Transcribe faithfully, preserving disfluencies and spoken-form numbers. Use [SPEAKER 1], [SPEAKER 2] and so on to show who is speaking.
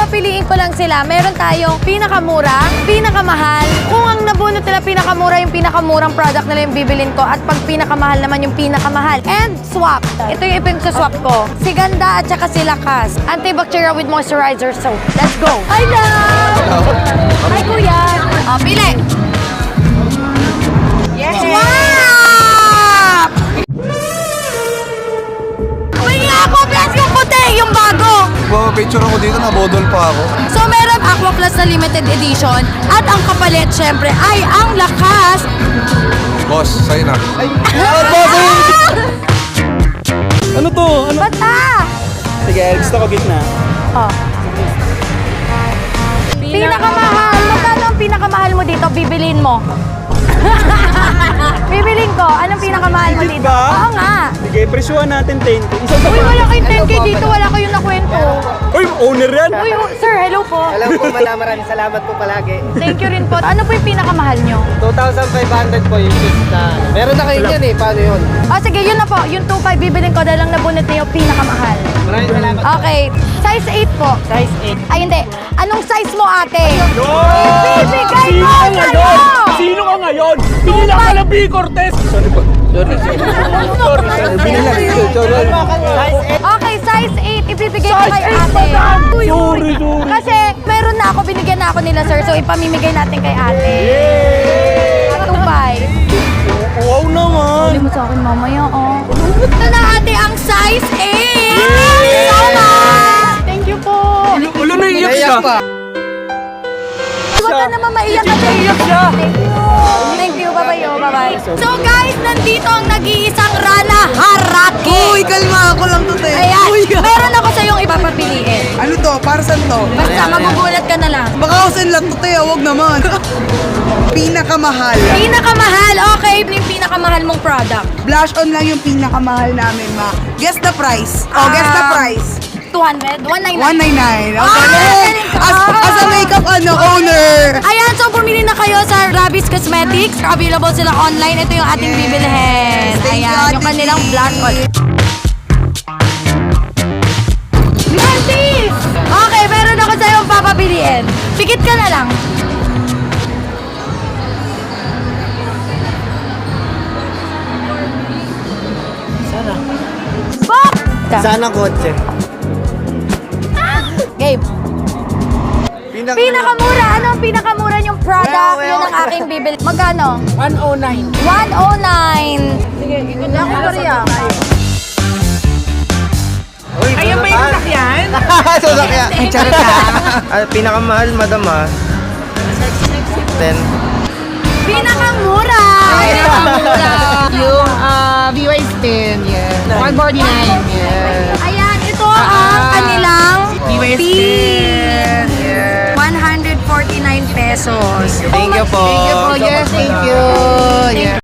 [SPEAKER 1] papapiliin ko lang sila. Meron tayong pinakamura, pinakamahal. Kung ang nabunot nila pinakamura, yung pinakamurang product nila yung bibilin ko. At pag pinakamahal naman yung pinakamahal. And swap. Ito yung ipin-swap ko. Si Ganda at saka si Lakas. Antibacterial with moisturizer soap. Let's go! Hi, love! Hi, kuya! O, pili! Yes! Swap! Pili ako, plus yung puti, yung bago!
[SPEAKER 2] Picture ako dito, nabodol pa ako.
[SPEAKER 1] So, meron Aqua Plus na limited edition. At ang kapalit, syempre, ay ang Lakas!
[SPEAKER 2] Boss, sa'yo na. Ay,
[SPEAKER 3] Ano to? Ano?
[SPEAKER 1] Bata!
[SPEAKER 3] Sige, gusto ko gitna.
[SPEAKER 1] Oh. Pinakamahal! Magkano ang pinakamahal mo dito? Bibilin mo. Bibilin ko. Anong pinakamahal mo
[SPEAKER 3] Legit
[SPEAKER 1] dito?
[SPEAKER 3] ba?
[SPEAKER 1] Oo nga.
[SPEAKER 3] Sige, presyuhan natin ten K. Isa sa
[SPEAKER 1] Uy, wala kayong ten K dito. Wala kayong nakwento.
[SPEAKER 3] Uy, owner yan!
[SPEAKER 1] Uy, oh, sir, hello po.
[SPEAKER 4] Alam po, madam, maraming salamat po palagi.
[SPEAKER 1] Thank you rin po. Ano po yung pinakamahal nyo?
[SPEAKER 4] two thousand five hundred po yung shoes na. Meron na kayo yan eh, paano yun?
[SPEAKER 1] O, sige, yun na po. Yung two five bibilin ko dahil lang nabunot niyo yung pinakamahal.
[SPEAKER 4] Maraming salamat.
[SPEAKER 1] Okay. Size eight po.
[SPEAKER 4] Size eight.
[SPEAKER 1] Ay, hindi. Anong size mo, ate?
[SPEAKER 3] Yun!
[SPEAKER 1] Ibibigay
[SPEAKER 3] Sino
[SPEAKER 1] ko
[SPEAKER 3] ka
[SPEAKER 1] sa'yo!
[SPEAKER 3] ngayon? Sino ka ngayon? Pinila ka ng B. Cortez! Sorry po. Sorry. Sorry. Pinila.
[SPEAKER 4] Size eight.
[SPEAKER 1] Okay, size eight. Ibibigay ko kay ate. Uy,
[SPEAKER 3] Sorry, sorry.
[SPEAKER 1] Kasi meron na ako, binigyan na ako nila, sir. So, ipamimigay natin kay ate. Tubay.
[SPEAKER 3] Wow naman!
[SPEAKER 1] Hindi mo sa akin mamaya, oh. Ito na, ate, ang size eight!
[SPEAKER 3] Yay!
[SPEAKER 1] So much! Thank you po.
[SPEAKER 3] Ulo na iyak siya.
[SPEAKER 4] Naiyak pa.
[SPEAKER 1] Huwag ka naman maiyak kasi.
[SPEAKER 3] Iyak siya.
[SPEAKER 1] Thank you. Thank you. Bye-bye, oh. Bye-bye. So, guys, nandito ang nag-iisang Rana Haraki.
[SPEAKER 5] Uy, kalma ako lang to, te.
[SPEAKER 1] Ayan,
[SPEAKER 5] Uy,
[SPEAKER 1] meron ako sa iyong ipapapiliin.
[SPEAKER 5] ano to? Para saan to?
[SPEAKER 1] Basta magugulat ka na lang.
[SPEAKER 5] Baka ako saan lang to, te. Huwag naman. Pinakamahal.
[SPEAKER 1] Pinakamahal. Okay, yung pinakamahal mong product.
[SPEAKER 5] Blush on lang yung pinakamahal namin, ma. Guess the price. Oh, guess the
[SPEAKER 1] Um,
[SPEAKER 5] price.
[SPEAKER 1] two hundred? one ninety-nine?
[SPEAKER 5] one ninety-nine.
[SPEAKER 1] Ah,
[SPEAKER 5] Okay.
[SPEAKER 1] galing ka.
[SPEAKER 5] As, as a makeup ano, owner.
[SPEAKER 1] Ayan, so bumili na kayo sa Rabis Cosmetics. Available sila online. Ito yung ating
[SPEAKER 5] Yes.
[SPEAKER 1] bibilhin.
[SPEAKER 5] Thank you,
[SPEAKER 1] Ayan,
[SPEAKER 5] Ate
[SPEAKER 1] yung kanilang
[SPEAKER 5] G.
[SPEAKER 1] blush on. Mantis! Okay, meron ako sa iyong papapiliin. Pikit ka na lang.
[SPEAKER 4] Sana.
[SPEAKER 1] Bok!
[SPEAKER 4] Sana kotse.
[SPEAKER 1] Gabe.
[SPEAKER 4] Pinak
[SPEAKER 1] Pinakamura. Ano ang pinakamura yung product?
[SPEAKER 4] Well, well.
[SPEAKER 1] Yun ang aking bibil. Magkano?
[SPEAKER 4] one oh nine.
[SPEAKER 1] one oh nine. Sige, ikot lang ako Maria.
[SPEAKER 4] Uy, ayun ba yung sasakyan? Sasakyan.
[SPEAKER 5] Charot ka.
[SPEAKER 4] Ah, pinakamahal, madam ah. ten.
[SPEAKER 1] Pinakamura.
[SPEAKER 6] Pinakamura. Yung uh, V Y ten, yeah. one forty-nine, yeah.
[SPEAKER 1] Ayan, ito ang kanilang
[SPEAKER 6] V Y ten, yeah.
[SPEAKER 1] one hundred forty-nine pesos.
[SPEAKER 4] Thank you po.
[SPEAKER 6] Thank you po, yes, thank you. Yeah.